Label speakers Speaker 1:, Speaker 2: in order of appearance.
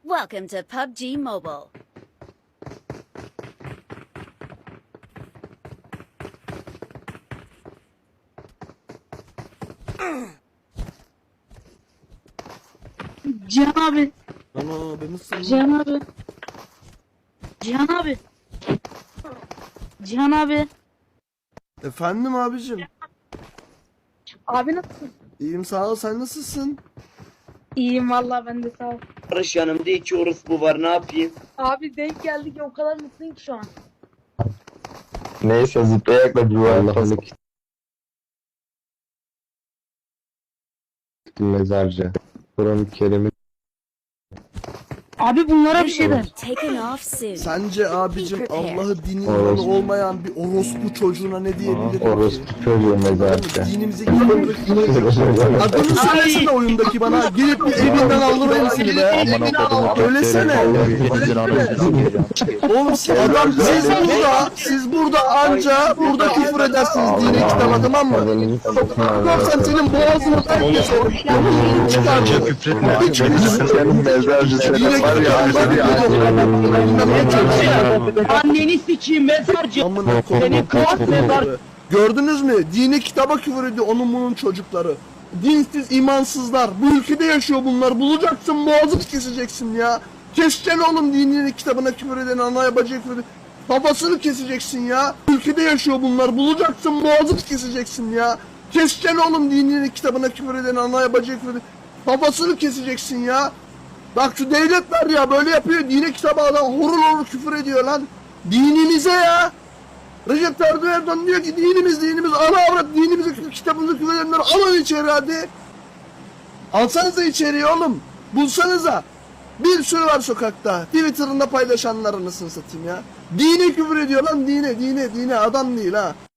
Speaker 1: Welcome to PUBG Mobile.
Speaker 2: Cihan abi.
Speaker 3: Ana ben nasılsın?
Speaker 2: Cihan abi. Cihan abi. Cihan abi.
Speaker 3: Efendim abicim.
Speaker 2: Abi nasılsın?
Speaker 3: İyiyim sağ ol, sen nasılsın?
Speaker 2: İyiyim vallahi ben de sağ ol.
Speaker 4: Barış yanımda iki orospu var, ne yapayım?
Speaker 2: Abi denk geldik ya, o kadar mutluyum ki şu an.
Speaker 5: Neyse zıplayarak bir Allah'lık. Mezarcı. Kur'an-ı Kerim'i
Speaker 2: Abi bunlara bir
Speaker 1: We
Speaker 2: şey
Speaker 1: will
Speaker 2: der.
Speaker 1: be taken off soon.
Speaker 3: Sence abicim
Speaker 1: Be prepared.
Speaker 3: Allah'ı dinin
Speaker 5: Orospu.
Speaker 3: yolu olmayan bir orospu çocuğuna ne diyebilirim ki?
Speaker 5: orospu çocuğu mezarcı.
Speaker 3: Dinimize girmemek. Adını söylesene oyundaki bana. Gelip bir evinden aldırayım seni be. Söylesene. Oğlum siz burada anca burada küfür edersiniz dine kitaba, tamam mı? Korsan senin boğazını herkes çıkaracak.
Speaker 5: Senin mezarcı senin var ya.
Speaker 2: Anneni sikeyim mezarcı.
Speaker 3: Amına koyayım. Gördünüz mü? Dini kitaba küfür ediyor onun bunun çocukları. Dinsiz, imansızlar. Bu ülkede yaşıyor bunlar. Bulacaksın, boğazını keseceksin ya. Keseceksin oğlum dinini kitabına küfür eden, anaya bacıya küfür eden. Babasını keseceksin ya. Ülkede yaşıyor bunlar. Bulacaksın, boğazını keseceksin ya. Keseceksin oğlum dinini kitabına küfür eden, anaya bacıya küfür eden. Babasını keseceksin ya. Bak şu devletler ya böyle yapıyor. Dine kitaba adam horul horul küfür ediyor lan. Dinimize ya. Recep Tayyip Erdoğan diyor ki dinimiz ana avrat dinimize kitabımızı küfür edenler alın içeri hadi. Alsanıza içeriye oğlum. Bulsanıza. Bir sürü var sokakta. Twitter'ında paylaşanlar anasını satayım ya. Dine küfür ediyor lan dine adam değil ha.